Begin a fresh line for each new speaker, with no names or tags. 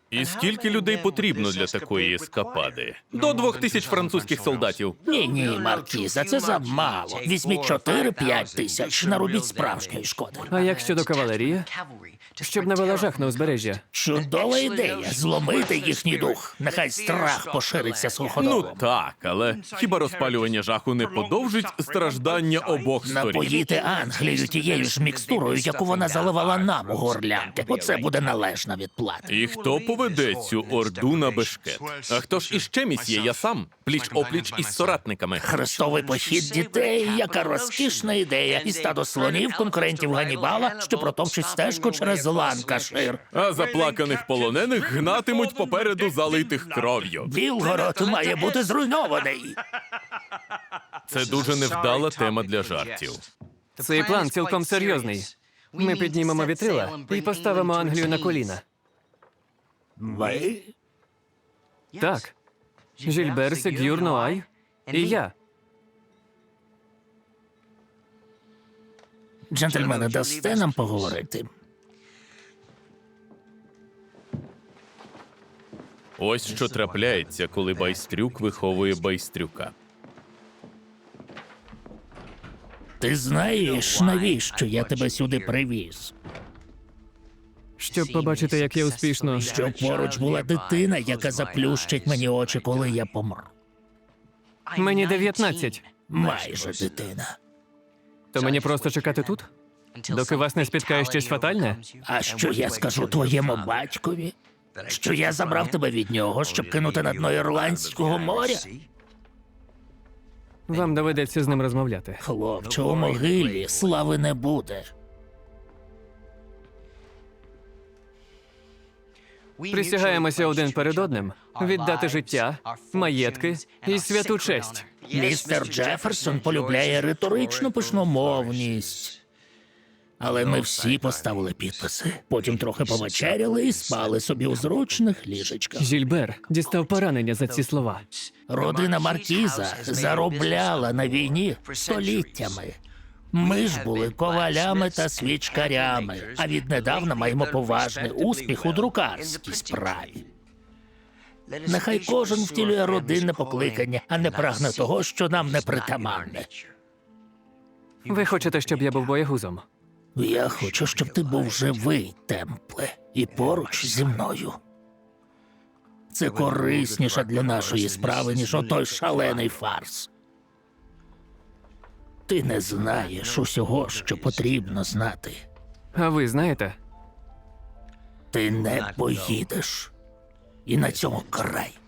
І скільки людей потрібно для такої ескапади? До 2000 французьких солдатів.
Ні, Маркіза, це замало. Візьміть 4-5 тисяч, наробіть справжньої шкоди.
А як щодо кавалерії? Щоб навела жах на узбережжя.
Чудова ідея – зломити їхній дух. Нехай страх пошириться суходолом.
Ну так, але хіба розпалювання жаху не подовжить страждання обох сторін?
Напоїти Англію тією ж мікстурою, яку вона заливала нам у горлянки. Оце буде належна відплата.
І хто поведе цю орду на бешкет? А хто ж іще місьє? Я сам, пліч-опліч із соратниками.
Хрестовий похід дітей, яка розкішна ідея. І стадо слонів, конкурентів Ганнібала, що протовчуть стежку через Ланкашир.
А заплаканих полонених гнатимуть попереду залитих кров'ю.
Білгород має бути зруйнований.
Це дуже невдала тема для жартів.
Цей план цілком серйозний. Ми піднімемо вітрила і поставимо Англію на коліна.
Ви?
Так. Жильбер, Сегюр, Нуай і я.
Джентльмени, дасте нам поговорити?
Ось що трапляється, коли байстрюк виховує байстрюка.
Ти знаєш, навіщо я тебе сюди привіз?
Щоб побачити, як я успішно.
Щоб поруч була дитина, яка заплющить мені очі, коли я помру.
Мені 19.
Майже дитина.
То мені просто чекати тут? Доки вас не спіткає щось фатальне?
А що я скажу твоєму батькові? Що я забрав тебе від нього, щоб кинути на дно Ірландського моря?
Вам доведеться з ним розмовляти.
Хлопче, у могилі слави не буде.
Присягаємося один перед одним віддати життя, маєтки і святу честь.
Містер Джеферсон полюбляє риторичну пишномовність. Але ми всі поставили підписи. Потім трохи повечеряли і спали собі у зручних ліжечках.
Жильбер дістав поранення за ці слова.
Родина Маркіза заробляла на війні століттями. Ми ж були ковалями та свічкарями, а віднедавна маємо поважний успіх у друкарській справі. Нехай кожен втілює родинне покликання, а не прагне того, що нам не притаманне.
Ви хочете, щоб я був боягузом?
Я хочу, щоб ти був живий, Темпле, і поруч зі мною. Це корисніше для нашої справи, ніж отой шалений фарс. Ти не знаєш усього, що потрібно знати.
А ви знаєте?
Ти не поїдеш. І на цьому край.